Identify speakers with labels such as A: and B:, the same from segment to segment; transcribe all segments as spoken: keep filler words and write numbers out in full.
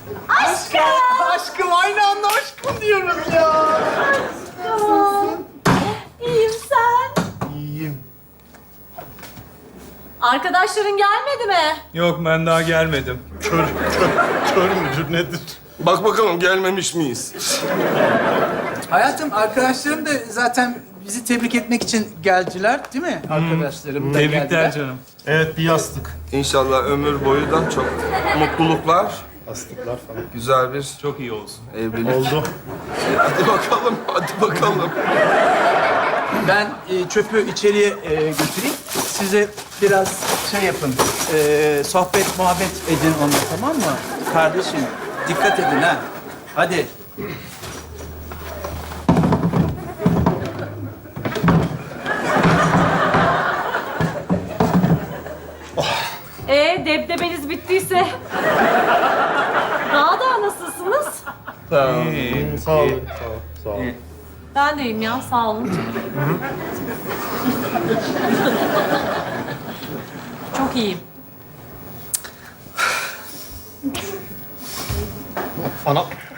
A: Aşkım!
B: Aşkım aynı anda aşkım diyoruz ya.
A: Aşkım. İyiyim sen.
B: İyiyim.
A: Arkadaşların gelmedi mi?
C: Yok ben daha gelmedim.
B: Kör, kör, kör müdür nedir?
D: Bak bakalım gelmemiş miyiz?
E: Hayatım, arkadaşlarım da zaten bizi tebrik etmek için geldiler, değil mi? Arkadaşlarım da
C: Tebrikler
E: geldiler.
C: canım.
B: Evet bir yastık.
D: İnşallah ömür boyu da çok mutluluklar,
B: Yastıklar falan.
D: güzel bir
C: Çok iyi olsun.
D: evlilik.
B: Oldu.
D: Hadi bakalım, hadi bakalım.
E: Ben e, çöpü içeriye e, götüreyim. Size biraz şey yapın, e, sohbet, muhabbet edin onunla, tamam mı? Kardeşim, dikkat edin ha. Hadi.
A: Ee, debdebeniz bittiyse. Daha da nasılsınız?
C: İyi.
B: Sağ olun. Sağ ol. Sağ ol.
A: Ben de iyiyim ya, sağ olun. Çok iyiyim.
B: Ana.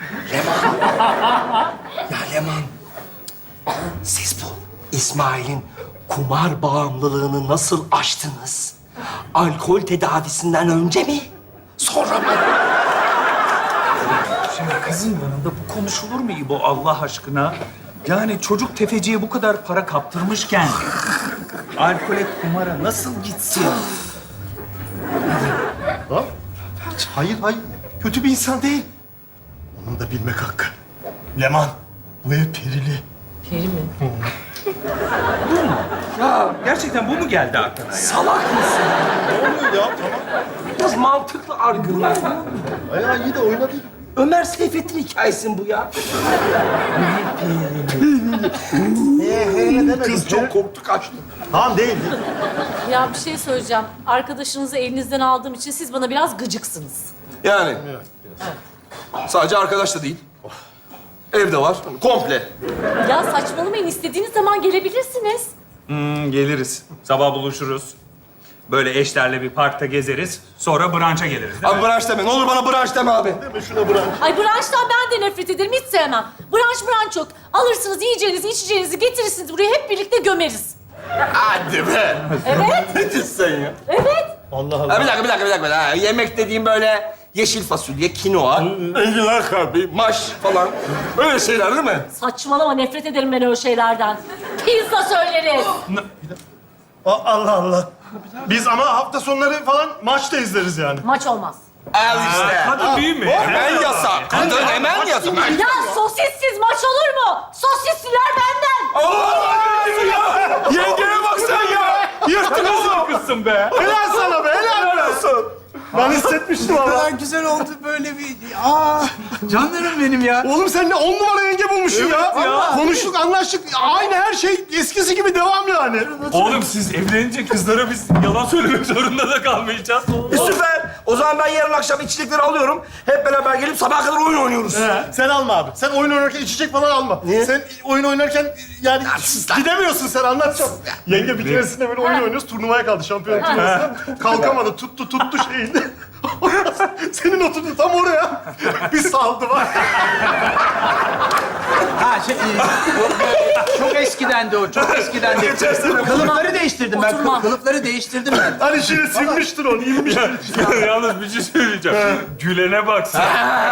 F: Ya Leman, siz bu İsmail'in kumar bağımlılığını nasıl aştınız? Alkol tedavisinden önce mi? Sonra mı?
C: Şimdi kızın yanında bu konuşulur mu İbo Allah aşkına? Yani çocuk tefeciye bu kadar para kaptırmışken alkole, kumara nasıl gitsin?
B: Ha? Hayır hayır. Kötü bir insan değil. Onun da bilmek hakkı. Leman, bu ev perili.
A: Peri mi?
C: Ya gerçekten bu mu geldi aklına ya?
F: Salak mısın?
B: Ne oluyor ya? Tamam.
F: Biraz mantıklı argüman.
B: Ay iyi de oynadı.
F: Ömer Seyfettin hikayesi mi bu ya? Kız çok korktu, kaçtı.
B: Tamam değil. değil.
A: Ya bir şey söyleyeceğim. Arkadaşınızı elinizden aldığım için siz bana biraz gıcıksınız.
D: Yani. Sadece arkadaş da değil. Evde var, komple.
A: Ya saçmalamayın. İstediğiniz zaman gelebilirsiniz.
C: Hmm, geliriz. Sabah buluşuruz. Böyle eşlerle bir parkta gezeriz. Sonra brunch'a geliriz değil
D: Abi
C: mi?
D: branş deme, ne olur bana branş deme abi.
B: Deme şuna bırak.
A: Ay branştan ben de nefret ederim. Hiç sevmem. Branş branş yok. Alırsınız yiyeceğinizi, içeceğinizi getirirsiniz buraya. Hep birlikte gömeriz.
D: Hadi be.
A: Evet,
D: Ne diyorsun sen ya?
A: evet.
B: Allah Allah.
D: Ha, bir dakika, bir dakika, bir dakika. Ha, yemek dediğim böyle yeşil fasulye, kinoa, enginar kalbi, maş falan. Öyle şeyler değil mi?
A: Saçmalama. Nefret ederim ben öyle şeylerden. Pizza söyleriz.
B: A- Allah Allah. Biz ama hafta sonları falan maç da izleriz yani.
A: Maç olmaz.
D: Al işte.
C: Kadın değil mi?
D: Hemen yasak. Kadın hemen yasak.
A: Ya sosissiz maç olur mu? Sosisliler benden.
D: Yengeye bak sen ya.
C: Yırttınız mı kızsın be?
B: Helal sana be, helal olsun. Ben hissetmiştim
E: Ne
B: ama.
E: kadar güzel oldu böyle bir... Aa, canlarım benim ya.
B: Oğlum sen ne on numara yenge bulmuşsun ya.
E: ya.
B: Konuştuk, anlaştık. Aynı her şey eskisi gibi devam yani.
C: Oğlum siz evlenince kızlara biz yalan söylemek zorunda da kalmayacağız.
F: E, süper. O zaman ben yarın akşam içecekleri alıyorum. Hep beraber gelip sabaha kadar oyun oynuyoruz.
B: He, sen alma abi. Sen oyun oynarken içecek falan alma.
F: Niye?
B: Sen oyun oynarken yani
F: sus lan.
B: gidemiyorsun sen, anlatacağım. Yenge bir keresinde böyle oyun oynuyoruz, turnuvaya kaldı, şampiyon turnuvasına. Kalkamadı, tuttu tuttu şeyini. Senin oturdu tam oraya. Bir saldı var.
E: Ha şey, e, o- çok eskidendi o, çok eskidendi. Kılıfları değiştirdim ben,
A: Oturma.
E: kı- kılıfları değiştirdim ben.
B: Hani şimdi sinmiştir onu, inmiştir.
C: Yalnız bir şey söyleyeceğim. Gülene bak sen.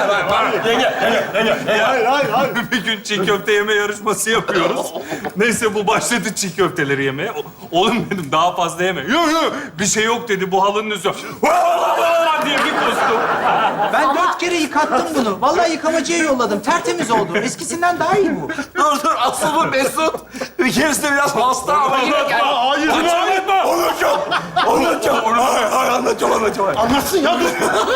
B: Hayır, hayır, hayır.
C: Bir gün çiğ köfte yeme yarışması yapıyoruz. Neyse bu başladı çiğ köfteleri yemeye. O- Oğlum dedim daha fazla yeme. Yok yok bir şey yok dedi bu halının üstü. diye bir kustum.
E: Ben dört kere yıkattım bunu. Vallahi yıkamacıya yolladım, tertemiz oldu. Eskisinden daha iyi bu.
D: Dur dur, asıl bu Mesut. Bir keresinde biraz hasta ama yine gel.
B: Aa, hayır,
C: Anlatma.
D: Anlatacağım. Anlatacağım. Hayır, hayır, anlatacağım, anlatacağım.
B: anlatsın ya, dur.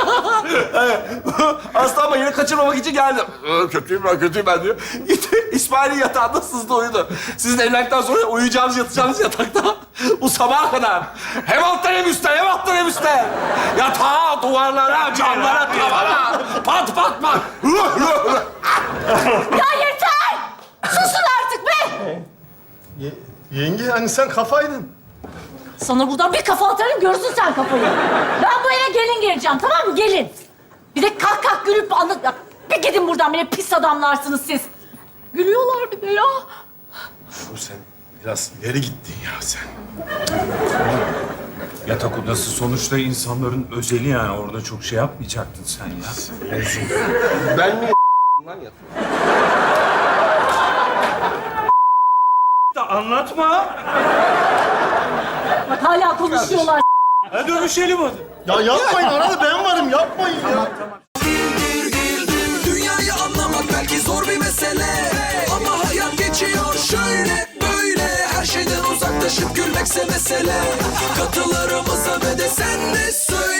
D: Hasta ama yine kaçırmamak için geldim. Ee, Kötüyüm ben, kötüyüm ben diyor. Gitti, İsmail'in yatağında sızdı uyudu. Sizin evlendikten sonra uyuyacağınız, yatacağınız yatakta bu sabaha kadar. Hem alttan hem üstten, hem alttan hem üstten. Yatağa, duvarlara, camlara, tavana. Pat pat pat.
A: Ya yeter! Susun artık be!
B: Ye- yenge hani sen kafaydın.
A: Sana buradan bir kafa atarım, görürsün sen kafayı. Ben bu eve gelin geleceğim, tamam mı? Gelin. Bir de kalk kalk gülüp anlat... Ya, bir gidin buradan, beni pis adamlarsınız siz. Gülüyorlar bir de ya.
B: Bu sen biraz ileri gittin ya sen.
C: Yatak odası sonuçta insanların özeli yani. Orada çok şey yapmayacaktın sen ya.
F: Ben mi lan ya?
C: Da anlatma.
A: Bak hala konuşuyorlar.
C: Hadi dövüşelim hadi.
B: Ya yapmayın, arada ben varım, yapmayın ya.
G: Dünyayı anlamak belki zor bir mesele, ama hayat geçiyor şöyle böyle. Her şeyden uzaklaşıp gülmekse mesele. Katılarımıza ve de sen de söyle.